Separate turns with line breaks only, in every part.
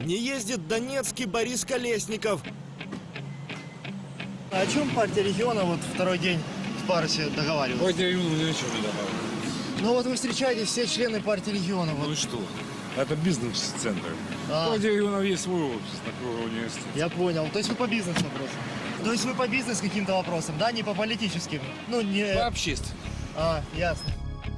Не ездит донецкий Борис Колесников.
А о чем партия региона вот второй день в Парусе договаривалась?
Партия региона ни о чем не договаривалась.
Ну вот вы встречаетесь, все члены партии региона.
Ну
Вот.
и что? Это бизнес-центр.
А.
Партия регионов есть свой офис на кругу университета.
Я понял. То есть вы по бизнес-вопросам? То есть вы по бизнес каким-то вопросам, да? Не по политическим? Ну, не...
По общественным.
А, ясно.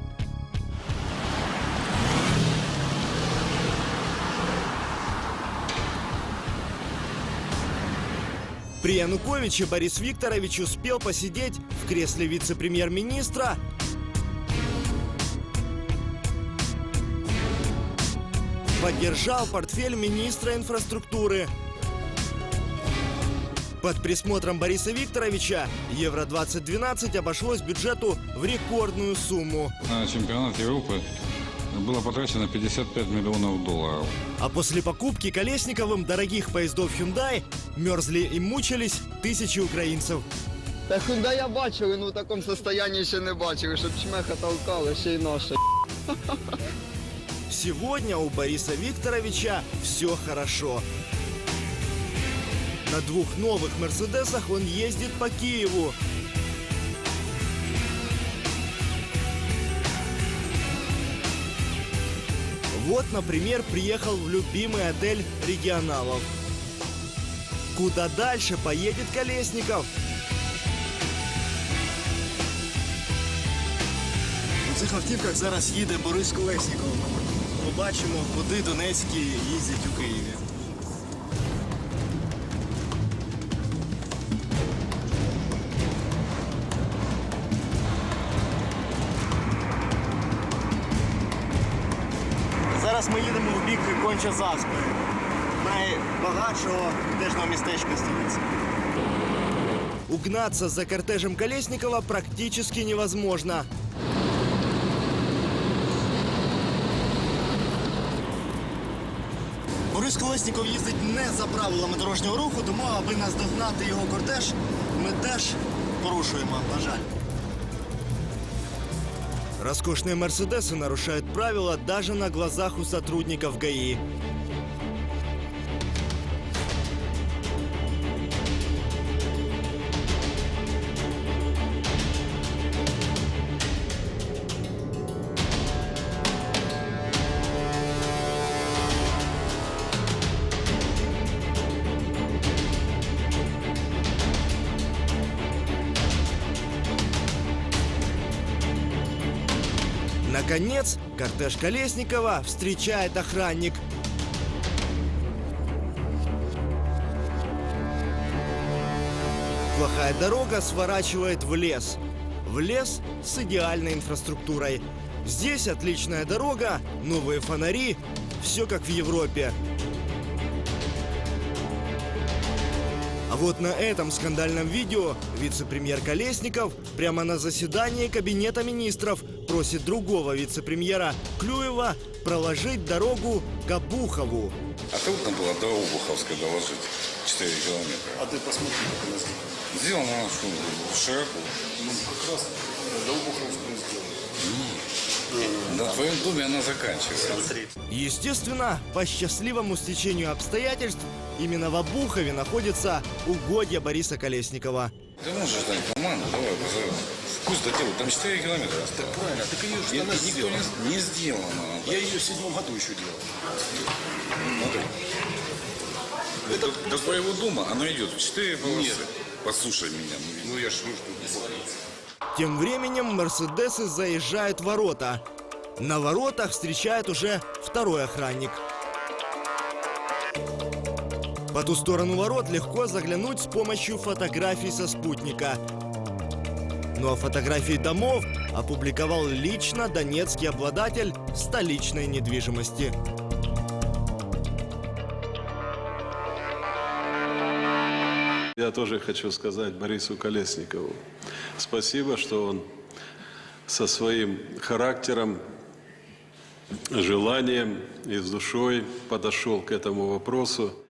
При Януковиче Борис Викторович успел посидеть в кресле вице-премьер-министра, поддержал портфель министра инфраструктуры. Под присмотром Бориса Викторовича Евро-2012 обошлось бюджету в рекордную сумму.
На чемпионат Европы было потрачено 55 миллионов долларов.
А после покупки Колесниковым дорогих поездов Hyundai мерзли и мучились тысячи українців.
Та Hyundai бачили, ну в такому стані ще не бачили, щоб чмеха толкали, ще й наша.
Сегодня у Бориса Викторовича все хорошо. На двух новых «Мерседесах» он ездит по Киеву. Вот, например, приехал в любимый отель регионалов. Куда дальше поедет Колесников?
У цих автівках зараз їде Борис Колесніков. Побачимо, куди донецькі їздять у Києві. Зараз ми їдемо в бік Конча-Заспи, найбагатшого пляжного містечка столиці.
Угнаться за кортежем Колесникова практически невозможно.
Борис Колесніков їздить не за правилами дорожнього руху, тому аби наздогнати його кортеж, ми теж порушуємо, на жаль.
Роскошные «Мерседесы» нарушают правила даже на глазах у сотрудников ГАИ. Наконец, кортеж Колесникова встречает охранник. Плохая дорога сворачивает в лес. В лес с идеальной инфраструктурой. Здесь отличная дорога, новые фонари, все как в Европе. А вот на этом скандальном видео вице-премьер Колесников прямо на заседании Кабинета министров просит другого вице-премьера Клюева проложить дорогу к Обухову.
А трудно было до Обуховской доложить 4 километра.
А ты посмотри, как она сделана.
Сделано она широко.
Ну, как раз до Обуховскую сделано.
На твоем доме она заканчивается.
Естественно, по счастливому стечению обстоятельств, именно в Обухове находится угодья Бориса Колесникова.
Ты можешь дать команду, давай позовем. Пусть доделают, там 4 километра осталось.
Так правильно, так ее же она
Никто
сделана.
не сделано.
Я ее в 7 году еще делал.
Смотри. До твоего дома оно идет в 4 полосы.
Нет.
Послушай меня.
Ну я ж нужно.
Тем временем «Мерседесы» заезжают в ворота. На воротах встречает уже второй охранник. По ту сторону ворот легко заглянуть с помощью фотографий со спутника. Ну а фотографии домов опубликовал лично донецкий обладатель столичной недвижимости.
Я тоже хочу сказать Борису Колесникову спасибо, что он со своим характером, желанием и с душой подошел к этому вопросу.